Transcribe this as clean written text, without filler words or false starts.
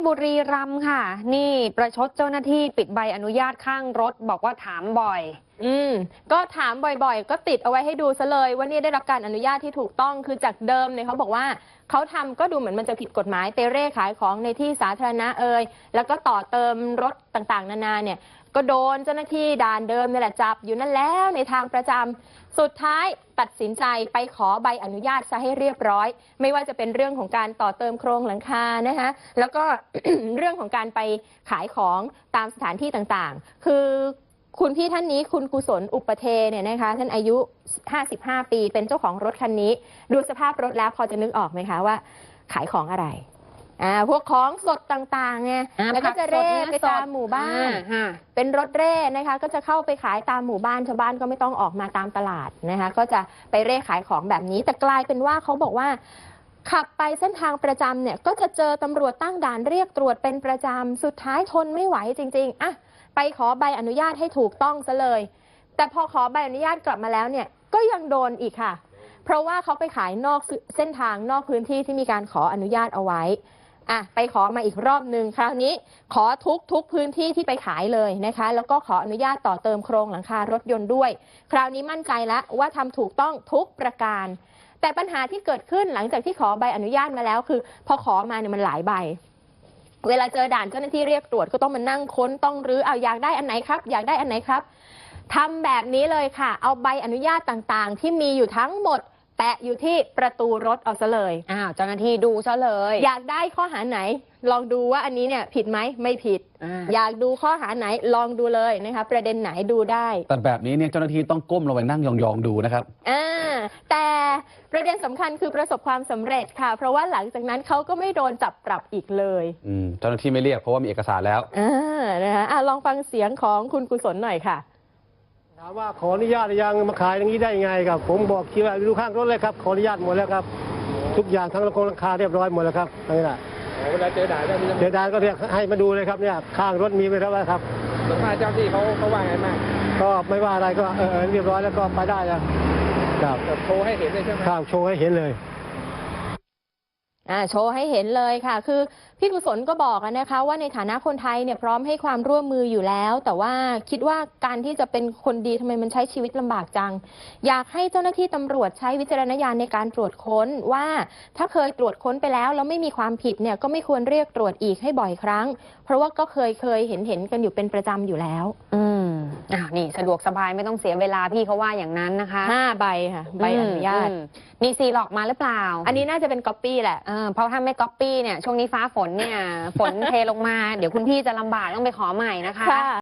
บุรีรัมย์ค่ะนี่ประชดเจ้าหน้าที่ปิดใบอนุญาตข้างรถบอกว่าถามบ่อยก็ถามบ่อยๆก็ติดเอาไว้ให้ดูซะเลยว่านี่ได้รับการอนุญาตที่ถูกต้องคือจากเดิมเนี่ยเขาบอกว่าเขาทำก็ดูเหมือนมันจะผิดกฎหมายไปเร่ขายของในที่สาธารณะแล้วก็ต่อเติมรถต่างๆนานาเนี่ยก็โดนเจ้าหน้าที่ด่านเดิมนี่แหละจับอยู่นั่นแล้วในทางประจำสุดท้ายตัดสินใจไปขอใบอนุญาตซะให้เรียบร้อยไม่ว่าจะเป็นเรื่องของการต่อเติมโครงหลังคานะคะแล้วก็ เรื่องของการไปขายของตามสถานที่ต่างๆคือคุณพี่ท่านนี้คุณกุศลอุปเทเนี่ยนะคะท่านอายุ55 ปีเป็นเจ้าของรถคันนี้ดูสภาพรถแล้วพอจะนึกออกไหมคะว่าขายของอะไรพวกของสดต่างๆไงแล้วก็จะเร่ไปตามหมู่บ้านเป็นรถเร่นะคะก็จะเข้าไปขายตามหมู่บ้านชาวบ้านก็ไม่ต้องออกมาตามตลาดนะคะก็จะไปเร่ขายของแบบนี้แต่กลายเป็นว่าเขาบอกว่าขับไปเส้นทางประจำเนี่ยก็จะเจอตำรวจตั้งด่านเรียกตรวจเป็นประจำสุดท้ายทนไม่ไหวจริงๆไปขอใบอนุญาตให้ถูกต้องซะเลยแต่พอขอใบอนุญาตกลับมาแล้วเนี่ยก็ยังโดนอีกค่ะเพราะว่าเขาไปขายนอกเส้นทางนอกพื้นที่ที่มีการขออนุญาตเอาไว้ไปขอมาอีกรอบหนึ่งคราวนี้ขอทุกพื้นที่ที่ไปขายเลยนะคะแล้วก็ขออนุญาตต่อเติมโครงหลังคารถยนต์ด้วยคราวนี้มั่นใจแล้วว่าทำถูกต้องทุกประการแต่ปัญหาที่เกิดขึ้นหลังจากที่ขอใบอนุญาตมาแล้วคือพอขอมาเนี่ยมันหลายใบเวลาเจอด่านเจ้าหน้าที่เรียกตรวจก็ต้องมานั่งค้นต้องรื้อเอาอยากได้อันไหนครับอยากได้อันไหนครับทำแบบนี้เลยค่ะเอาใบอนุญาตต่างๆที่มีอยู่ทั้งหมดแปะอยู่ที่ประตูรถเอาซะเลยเจ้าหน้าที่ดูซะเลยอยากได้ข้อหาไหนลองดูว่าอันนี้เนี่ยผิดไหมไม่ผิดอยากดูข้อหาไหนลองดูเลยนะคะประเด็นไหนดูได้แต่แบบนี้เนี่ยเจ้าหน้าที่ต้องก้มลงไปนั่งยองๆดูนะครับแต่ประเด็นสำคัญคือประสบความสำเร็จค่ะเพราะว่าหลังจากนั้นเขาก็ไม่โดนจับปรับอีกเลยเจ้าหน้าที่ไม่เรียกเพราะว่ามีเอกสารแล้วนะคะลองฟังเสียงของคุณกุศลหน่อยค่ะถามว่าขออนุญาตยังมาขายอย่างนี้ได้ยังไงครับผมบอกคิดว่าดูข้างรถเลยครับขออนุญาตหมดแล้วครับทุกอย่างทั้งราคาเรียบร้อยหมดแล้วครับนี่แหละเวลาเจอด่านเจอด่านก็เรียกให้มาดูเลยครับเนี่ยข้างรถมีไว้แล้วครับส่วนมากเจ้าที่เขาว่าไงมากก็ไม่ว่าอะไรก็เรียบร้อยแล้วก็ไปได้แล้วครับโชว์ให้เห็นเลยใช่ไหมครับโชว์ให้เห็นเลยโชว์ให้เห็นเลยค่ะคือพี่กุศลก็บอกนะคะว่าในฐานะคนไทยเนี่ยพร้อมให้ความร่วมมืออยู่แล้วแต่ว่าคิดว่าการที่จะเป็นคนดีทำไมมันใช้ชีวิตลำบากจังอยากให้เจ้าหน้าที่ตำรวจใช้วิจารณญาณในการตรวจค้นว่าถ้าเคยตรวจค้นไปแล้วไม่มีความผิดเนี่ยก็ไม่ควรเรียกตรวจอีกให้บ่อยครั้งเพราะว่าก็เคยเห็นกันอยู่เป็นประจำอยู่แล้วนี่สะดวกสบายไม่ต้องเสียเวลาพี่เขาว่าอย่างนั้นนะคะ 5 ใบค่ะใบอนุญาตนี่ซีหลอกมาหรือเปล่าอันนี้น่าจะเป็นก๊อปปี้แหละเพราะถ้าไม่ก๊อปปี้เนี่ยช่วงนี้ฟ้าฝนเนี่ยฝนเทลงมาเดี๋ยวคุณพี่จะลำบากต้องไปขอใหม่นะคะ